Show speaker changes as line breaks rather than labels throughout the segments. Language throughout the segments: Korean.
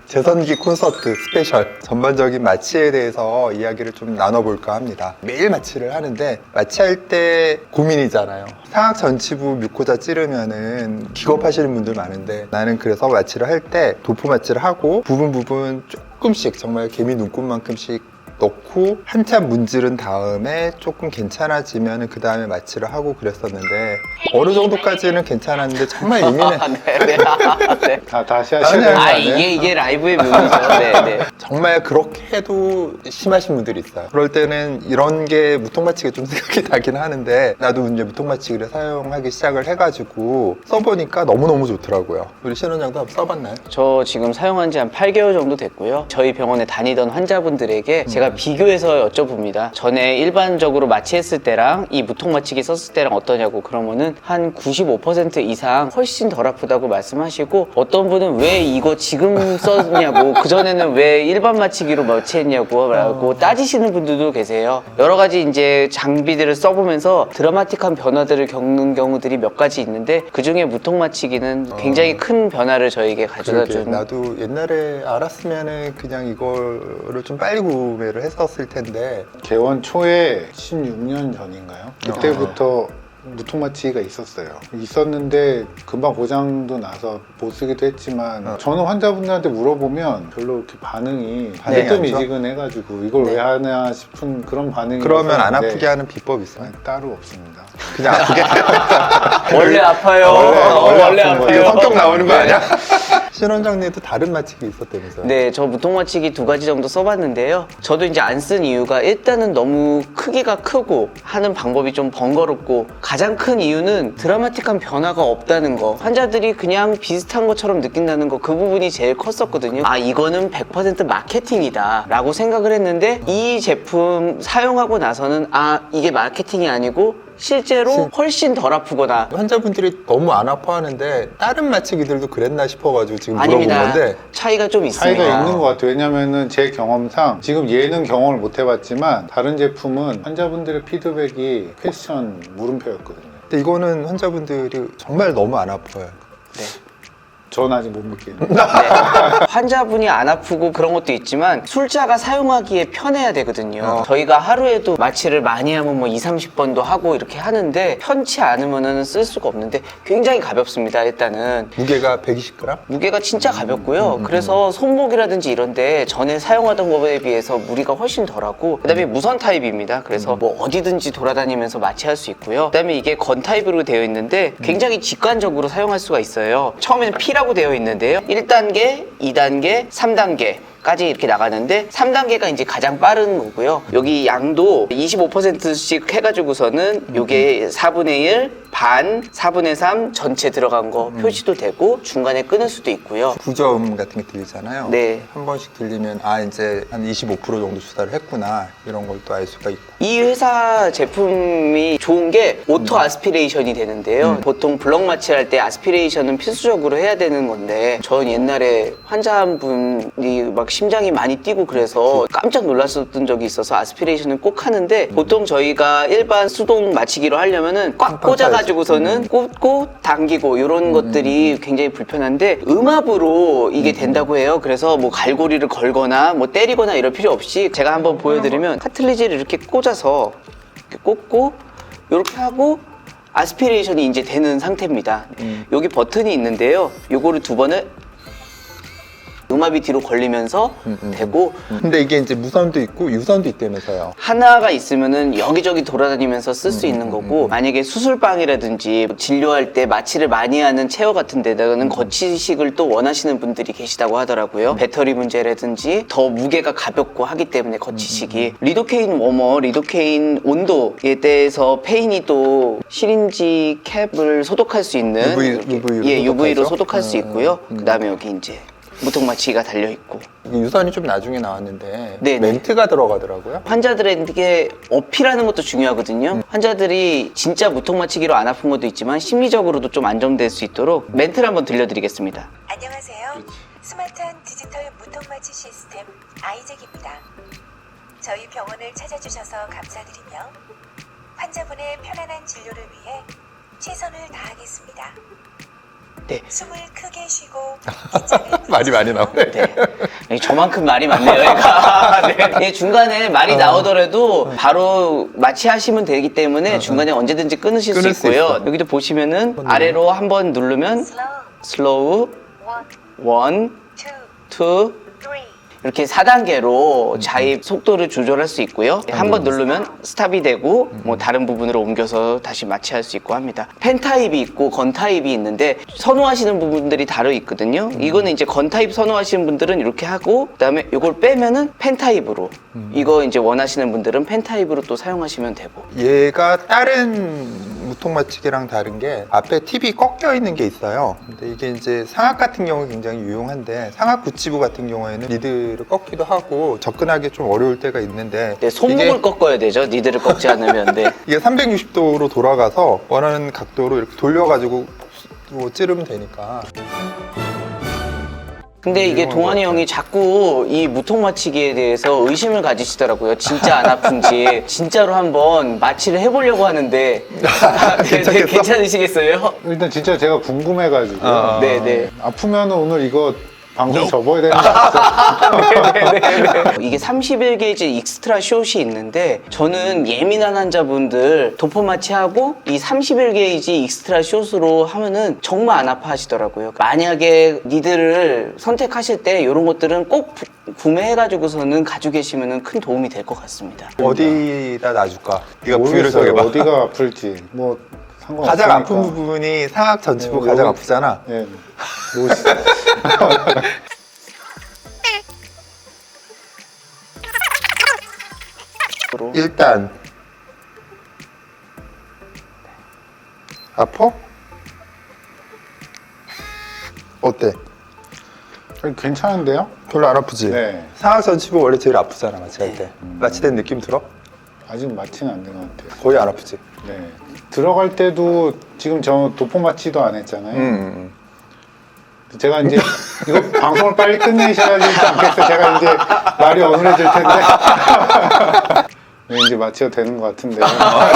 재선기 콘서트 스페셜 전반적인 마취에 대해서 이야기를 좀 나눠볼까 합니다. 매일 마취를 하는데 마취할 때 고민이잖아요. 상악 전치부 뮤코자 찌르면은 기겁하시는 분들 많은데 나는 그래서 마취를 할 때 도포 마취를 하고 부분 조금씩 정말 개미 눈곱만큼씩 넣고 한참 문지른 다음에 조금 괜찮아지면 그 다음에 마취를 하고 그랬었는데 어느 정도까지는 괜찮았는데 정말 예민해.
네. 네.
다시 하셔야 되는 거 아니에요?
이게 라이브의 묘미죠. 네.
정말 그렇게 해도 심하신 분들이 있어요. 그럴 때는 이런 게 무통마취가 좀 생각이 나긴 하는데 나도 이제 무통마취기를 사용하기 시작을 해가지고 써보니까 너무너무 좋더라고요. 우리 신원장도 한번 써봤나요?
저 지금 사용한 지 한 8개월 정도 됐고요. 저희 병원에 다니던 환자분들에게 제가 비교해서 여쭤봅니다. 전에 일반적으로 마취했을 때랑 이 무통마취기 썼을 때랑 어떠냐고. 그러면은 한 95% 이상 훨씬 덜 아프다고 말씀하시고, 어떤 분은 왜 이거 지금 썼냐고, 그전에는 왜 일반 마취기로 마취했냐고 라고 따지시는 분들도 계세요. 여러 가지 이제 장비들을 써보면서 드라마틱한 변화들을 겪는 경우들이 몇 가지 있는데, 그 중에 무통마취기는 굉장히 큰 변화를 저에게 가져다 준.
나도 옛날에 알았으면은 그냥 이거를 좀 빨리 구매를 했었을 텐데.
개원 초에 16년 전인가요? 그때부터 무통마취가 있었는데 금방 고장도 나서 못 쓰기도 했지만 저는 환자분들한테 물어보면 별로 이렇게 반응이
안 좋아?
미지근해가지고 이걸 왜 하나 싶은 그런 반응이
그러면 안 아프게 하는 비법 있어요?
따로 없습니다.
그냥 아프게
원래 아파요. 원래
이거
아파요.
성격 나오는 거 아니야? 신원장님도 다른 마취기 있었다면서요?
네, 저 무통마취기 2가지 정도 써봤는데요. 저도 이제 안 쓴 이유가 일단은 너무 크기가 크고 하는 방법이 좀 번거롭고, 가장 큰 이유는 드라마틱한 변화가 없다는 거. 환자들이 그냥 비슷한 것처럼 느낀다는 거, 그 부분이 제일 컸었거든요. 아, 이거는 100% 마케팅이다 라고 생각을 했는데, 이 제품 사용하고 나서는 아, 이게 마케팅이 아니고 실제로 훨씬 덜 아프거나.
환자분들이 너무 안 아파하는데 다른 마취기들도 그랬나 싶어가지고 지금 물어본
아닙니다.
건데.
차이가 좀 있습니다.
차이가 있는 것 같아요. 왜냐면은 제 경험상 지금 얘는 경험을 못 해봤지만 다른 제품은 환자분들의 피드백이 퀘스천 물음표였거든요.
근데 이거는 환자분들이 정말 너무 안 아파요.
네.
전 아직 못 믿겠네요.
네. 환자분이 안 아프고 그런 것도 있지만 술자가 사용하기에 편해야 되거든요. 저희가 하루에도 마취를 많이 하면 뭐 20-30번도 하고 이렇게 하는데, 편치 않으면은 쓸 수가 없는데 굉장히 가볍습니다. 일단은
무게가 120g?
무게가 진짜 가볍고요. 그래서 손목이라든지 이런데 전에 사용하던 것에 비해서 무리가 훨씬 덜하고, 그다음에 무선 타입입니다. 그래서 뭐 어디든지 돌아다니면서 마취할 수 있고요. 그다음에 이게 건 타입으로 되어 있는데 굉장히 직관적으로 사용할 수가 있어요. 처음에는 P라고 되어 있는데요. 1단계, 2단계, 3단계까지 이렇게 나가는데 3단계가 이제 가장 빠른 거고요. 여기 양도 25%씩 해가지고서는 요게 4분의 1, 반, 4분의 3 전체 들어간 거 표시도 되고, 중간에 끊을 수도 있고요.
구저음 같은 게 들리잖아요.
네.
한 번씩 들리면 아 이제 한 25% 정도 주사를 했구나 이런 걸 또 알 수가 있고.
이 회사 제품이 좋은 게 오토 아스피레이션이 되는데요. 보통 블럭 마취할 때 아스피레이션은 필수적으로 해야 되는 건데, 전 옛날에 환자 한 분이 막 심장이 많이 뛰고 그래서 깜짝 놀랐었던 적이 있어서 아스피레이션을 꼭 하는데, 보통 저희가 일반 수동 마취기로 하려면은 꽉 꽂아가지고서는 꽂고 당기고 이런 것들이 굉장히 불편한데, 음압으로 이게 된다고 해요. 그래서 뭐 갈고리를 걸거나 뭐 때리거나 이럴 필요 없이, 제가 한번 보여드리면 카틀리지를 이렇게 꽂아서 이렇게 꽂고 이렇게 하고 아스피레이션이 이제 되는 상태입니다. 여기 버튼이 있는데요. 요거를 2번을 음압이 뒤로 걸리면서 되고,
근데 이게 이제 무선도 있고 유선도 있다면서요.
하나가 있으면은 여기저기 돌아다니면서 쓸 수 있는 거고, 만약에 수술방이라든지 진료할 때 마취를 많이 하는 체어 같은 데다가는 거치식을 또 원하시는 분들이 계시다고 하더라고요. 배터리 문제라든지 더 무게가 가볍고 하기 때문에 거치식이. 리도케인 워머, 리도케인 온도에 대해서 페인이 또 시린지 캡을 소독할 수 있는 UV로 소독할 수 있고요. 그 다음에 여기 이제 무통마취기가 달려있고.
유선이 좀 나중에 나왔는데
네네.
멘트가 들어가더라고요.
환자들에게 어필하는 것도 중요하거든요. 환자들이 진짜 무통마취기로 안 아픈 것도 있지만 심리적으로도 좀 안정될 수 있도록 멘트를 한번 들려드리겠습니다.
안녕하세요. 스마트한 디지털 무통마취 시스템 아이잭입니다. 저희 병원을 찾아주셔서 감사드리며 환자분의 편안한 진료를 위해 최선을 다하겠습니다.
네.
숨을 크게 쉬고 긴장을
말이 많이 나오네.
네. 저만큼 말이 많네요, 얘가. 네. 중간에 말이 나오더라도 바로 마취하시면 되기 때문에 중간에 언제든지 끊으실 수
끊을 수
있고요.
있어.
여기도 보시면은 아래로 한번 누르면
슬로우
슬로우,
1,
1,
2,
2,
3
이렇게 4단계로 자입 속도를 조절할 수 있고요. 한 번 누르면 스탑이 되고 뭐 다른 부분으로 옮겨서 다시 마취할 수 있고 합니다. 펜 타입이 있고 건 타입이 있는데 선호하시는 부분들이 다르 있거든요. 이거는 이제 건 타입 선호하시는 분들은 이렇게 하고 그다음에 이걸 빼면은 펜 타입으로 이거 이제 원하시는 분들은 펜 타입으로 또 사용하시면 되고.
얘가 다른 무통 마취기랑 다른 게 앞에 팁이 꺾여 있는 게 있어요. 근데 이게 이제 상악 같은 경우 굉장히 유용한데 상악 구치부 같은 경우에는 니드를 꺾기도 하고 접근하기 좀 어려울 때가 있는데
네, 손목을 꺾어야 되죠. 니들을 꺾지 않으면. 네.
이게 360도로 돌아가서 원하는 각도로 이렇게 돌려가지고 찌르면 되니까.
근데 이게
유용한
동환이
것
형이 자꾸 이 무통 마취기에 대해서 의심을 가지시더라고요. 진짜 안 아픈지. 진짜로 한번 마취를 해보려고 하는데.
괜찮겠어?
괜찮으시겠어요?
일단 진짜 제가 궁금해가지고
네네.
아프면 오늘 이거 방송 접어야 되는 거 같아요.
이게 31게이지 익스트라 숏이 있는데 저는 예민한 환자분들 도포 마취하고 이 31게이지 익스트라 숏으로 하면은 정말 안 아파하시더라고요. 만약에 니들을 선택하실 때 이런 것들은 꼭 구매해가지고서는 가지고 계시면은 큰 도움이 될 것 같습니다.
어디다 놔줄까? 네가 부위를
모르겠어요.
정해봐.
어디가 아플지 뭐 상관없으니까.
가장 아픈 부분이 상악 전치부
네,
가장
여기-
아프잖아.
네.
일단 아파? 어때?
아니, 괜찮은데요?
별로 안 아프지?
네.
상악 전치부 원래 제일 아프잖아 마취할 때. 마취된 느낌 들어?
아직 마취는 안 된 것 같아요.
거의 안 아프지?
네. 들어갈 때도 지금 저 도포 마취도 안 했잖아요. 제가 이제 이거 방송을 빨리 끝내셔야 되지 않겠어요? 제가 이제 말이 어눌해질 텐데. 네, 이제 마취가 되는 것 같은데요.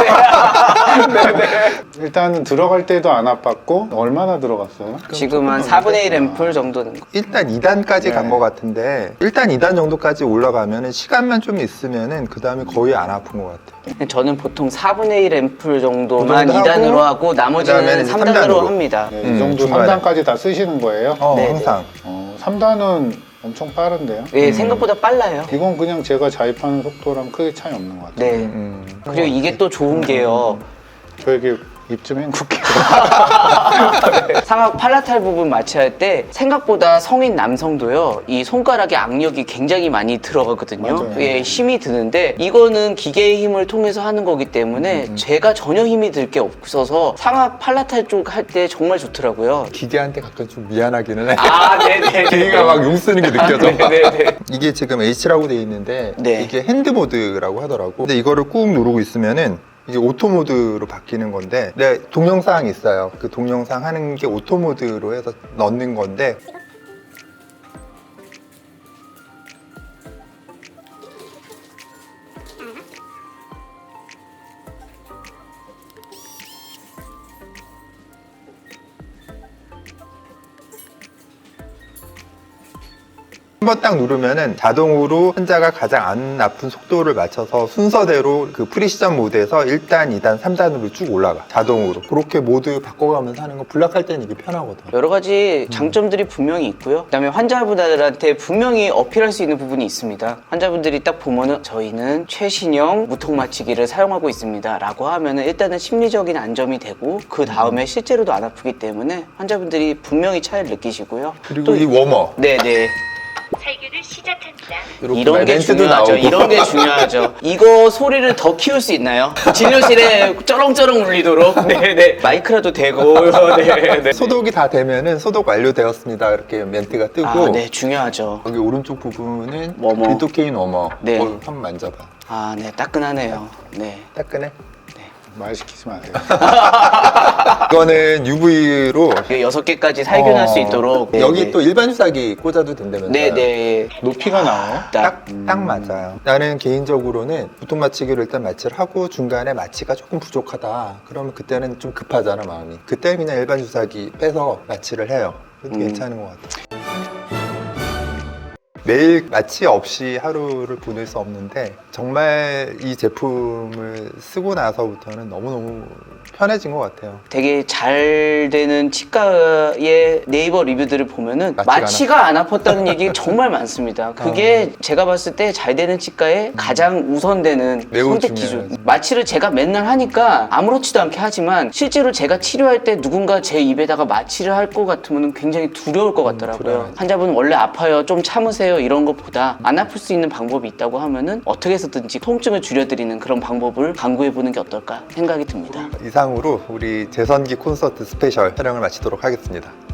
일단은 들어갈 때도 안 아팠고 얼마나 들어갔어요?
지금 한 4분의 1 앰플 정도 는 거.
일단 2단까지
네.
간 것 같은데 일단 2단 정도까지 올라가면은 시간만 좀 있으면은 그 다음에 거의 안 아픈 것 같아.
저는 보통 4분의 1 앰플 정도만
그 정도
2단으로
하고,
하고 나머지는
그다음에는 이제
3단으로
3단으로.
합니다.
네, 이 정도
중간에.
3단까지 다 쓰시는 거예요?
네,
항상.
3단은 엄청 빠른데요?
예, 생각보다 빨라요.
이건 그냥 제가 자입하는 속도랑 크게 차이 없는 것 같아요.
네. 그리고 이게 또 좋은 게요.
저에게 입 좀 헹굴게요.
상악 팔라탈 부분 마취할 때 생각보다 성인 남성도요 이 손가락에 악력이 굉장히 많이 들어가거든요.
맞아요.
예, 힘이 드는데 이거는 기계의 힘을 통해서 하는 거기 때문에 제가 전혀 힘이 들 게 없어서 상악 팔라탈 쪽 할 때 정말 좋더라고요.
기계한테 가끔 좀 미안하기는 해.
아, 네네.
기계가 막 용 쓰는 게 느껴져.
네네.
이게 지금 H라고 돼 있는데
네.
이게 핸드 모드라고 하더라고. 근데 이거를 꾹 누르고 있으면은 이게 오토 모드로 바뀌는 건데 네, 동영상이 있어요. 그 동영상 하는 게 오토 모드로 해서 넣는 건데 한번 딱 누르면은 자동으로 환자가 가장 안 아픈 속도를 맞춰서 순서대로 그 프리시전 모드에서 1단, 2단, 3단으로 쭉 올라가. 자동으로. 그렇게 모드 바꿔가면서 하는 거 블락할 때는 이게 편하거든.
여러 가지 장점들이 분명히 있고요. 그다음에 환자분들한테 분명히 어필할 수 있는 부분이 있습니다. 환자분들이 딱 보면은 저희는 최신형 무통 마취기를 사용하고 있습니다 라고 하면은 일단은 심리적인 안정이 되고 그 다음에 실제로도 안 아프기 때문에 환자분들이 분명히 차이를 느끼시고요.
그리고 이 워머.
네네.
살균을 시작합니다.
이렇게
이런 게
멘트도
중요하죠.
나오고.
이런 게 중요하죠. 이거 소리를 더 키울 수 있나요? 진료실에 쩌렁쩌렁 울리도록. 네네. 마이크라도 대고. 네네.
소독이 다 되면은 소독 완료되었습니다. 이렇게 멘트가 뜨고.
아, 네, 중요하죠.
여기 오른쪽 부분은
워머.
리도케인 워머.
네.
한번 만져봐.
아, 네, 따끈하네요. 네.
따끈해?
말 시키지 마세요.
이거는 UV로
6개까지 살균할 수 있도록. 네,
여기
네.
또 일반 주사기 꽂아도 된다면서요?
네네.
높이가 나와요?
딱 맞아요. 나는 개인적으로는 보통 마취기를 일단 마취를 하고 중간에 마취가 조금 부족하다. 그러면 그때는 좀 급하잖아, 마음이. 그때는 그냥 일반 주사기 빼서 마취를 해요. 그것도 괜찮은 것 같아요. 매일 마취 없이 하루를 보낼 수 없는데 정말 이 제품을 쓰고 나서부터는 너무너무 편해진 것 같아요.
되게 잘 되는 치과의 네이버 리뷰들을 보면은
마취가
마취가 안 아팠다는 얘기 정말 많습니다. 그게 제가 봤을 때 잘 되는 치과의 가장 우선되는
매우
선택 기준.
중요하죠.
마취를 제가 맨날 하니까 아무렇지도 않게 하지만 실제로 제가 치료할 때 누군가 제 입에다가 마취를 할 것 같으면 굉장히 두려울 것 같더라고요.
불안하죠.
환자분 원래 아파요, 좀 참으세요 이런 것보다 안 아플 수 있는 방법이 있다고 하면은 어떻게 해서든지 통증을 줄여드리는 그런 방법을 강구해보는 게 어떨까 생각이 듭니다.
이상으로 우리 재선기 콘서트 스페셜 촬영을 마치도록 하겠습니다.